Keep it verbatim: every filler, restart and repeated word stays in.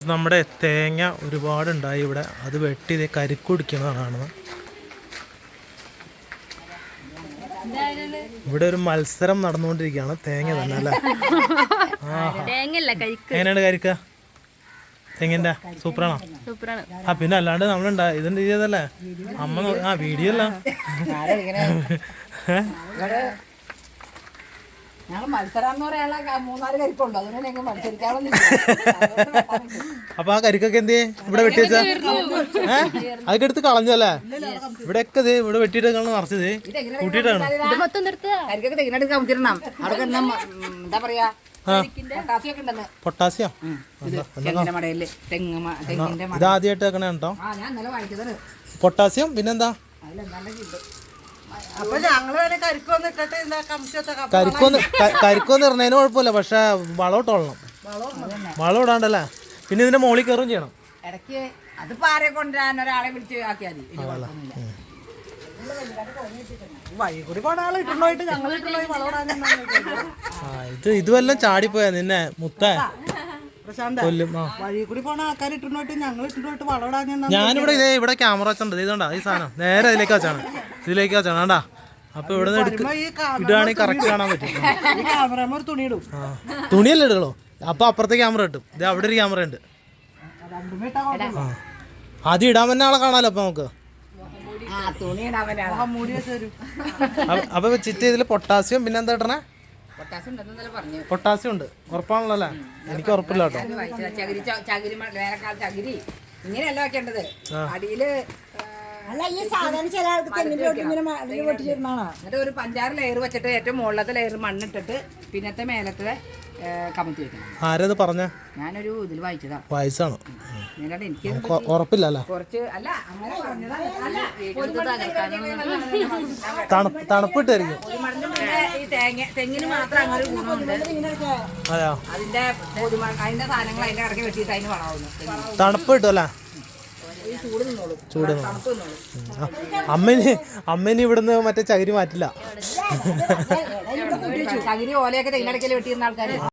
നമ്മുടെ തേങ്ങ ഒരുപാടുണ്ടായി ഇവിടെ. അത് വെട്ടി ഇതേ കരിക്കുടിക്കുന്നതാണ്. ഇവിടെ ഒരു മത്സരം നടന്നുകൊണ്ടിരിക്കുകയാണ്. തേങ്ങ തന്നെ അല്ലേ? എങ്ങനെയാണ് കരിക്ക? തെങ്ങിന്റെ സൂപ്പറാണോ? ആ പിന്നെ അല്ലാണ്ട് നമ്മളുണ്ടാ ഇതെന്ത് ചെയ്തല്ലേ അമ്മ? ആ വീഡിയോ അല്ല. അപ്പൊ ആ കരിക്കൊക്കെ എന്ത് ഇവിടെ വെട്ടി വെച്ചാ? ഏഹ് അതൊക്കെ എടുത്ത് കളഞ്ഞു അല്ലേ? ഇവിടെയൊക്കെ ഇത് ഇവിടെ വെട്ടിയിട്ട് നിറച്ചത് കൂട്ടിയിട്ടാണ്. പൊട്ടാസ്യം ഇത് ആദ്യമായിട്ട് വെക്കണേ കേട്ടോ. പൊട്ടാസ്യം പിന്നെന്താ? കരിക്കൊന്ന് കരിക്കൊന്ന് ഇറങ്ങുന്നതിന് കുഴപ്പമില്ല, പക്ഷെ വളം ഇട്ടോളണം. വളം ഇടാണ്ടല്ലേ. പിന്നെ ഇതിന്റെ മോളിൽ കയറും ചെയ്യണം. ഇത് ഇതുവെല്ലാം ചാടിപ്പോയാ നിന്നെ മുത്ത ഞാനിവിടെ ഇതേ ഇവിടെ ക്യാമറ വെച്ചിട്ടുണ്ട്. ഇതുണ്ടാ ഈ സാധനം നേരെ ഇതിലേക്ക് വെച്ചാണ് ഇതിലേക്ക് വെച്ചാണ് കണ്ടാ. അപ്പൊ ഇവിടെ ഇടുകയാണെങ്കിൽ കറക്റ്റ് കാണാൻ പറ്റും. തുണിയല്ലേ ഇടുള്ളൂ. അപ്പൊ അപ്പുറത്തെ ക്യാമറ കിട്ടും. ഇത് അവിടെ ഒരു ക്യാമറ ഉണ്ട്. ആദ്യം ഇടാൻ തന്നെ ആളെ കാണാലോ അപ്പൊ നമുക്ക്. അപ്പൊ ചിറ്റ് ഇതില് പൊട്ടാസ്യം പിന്നെ എന്താ ഇടണേ? പൊട്ടാസ്യം ഉണ്ട്. ഉറപ്പാണല്ലോ അല്ലേ? എനിക്ക് ഉറപ്പില്ല കേട്ടോ. ഇങ്ങനെയല്ല വെക്കേണ്ടത്. അടിയില് എന്നിട്ട് ഒരു പഞ്ചാറ് ലെയർ വെച്ചിട്ട് ഏറ്റവും മുകളിലത്തെ ലെയർ മണ്ണിട്ടിട്ട് പിന്നത്തെ മേലത്തെ കമത്തി വെക്കണം. ആരത് പറഞ്ഞ? ഞാനൊരു ഇതിൽ വായിച്ചതാ. വായിച്ചാണോ? എനിക്ക് ഉറപ്പില്ലല്ലോ. കുറച്ച് അല്ല അങ്ങനെ തണുപ്പിട്ടായിരിക്കും. ഈ തേങ്ങ തെങ്ങിന് മാത്രം അങ്ങനെ ഗുണമുണ്ട്. അതിന്റെ അതിന്റെ സാധനങ്ങൾ അതിന്റെ ഇടയ്ക്ക് വെട്ടിയിട്ട് അതിന് വളമാവുന്നു. തണുപ്പ് കിട്ടും അല്ലേ? ചൂട് അമ്മന് അമ്മന് ഇവിടുന്ന് മറ്റേ ചകിരി മാറ്റില്ല. ചകിരി ഓലയൊക്കെ തെങ്ങിടക്കല് വെട്ടിയിരുന്ന ആൾക്കാര്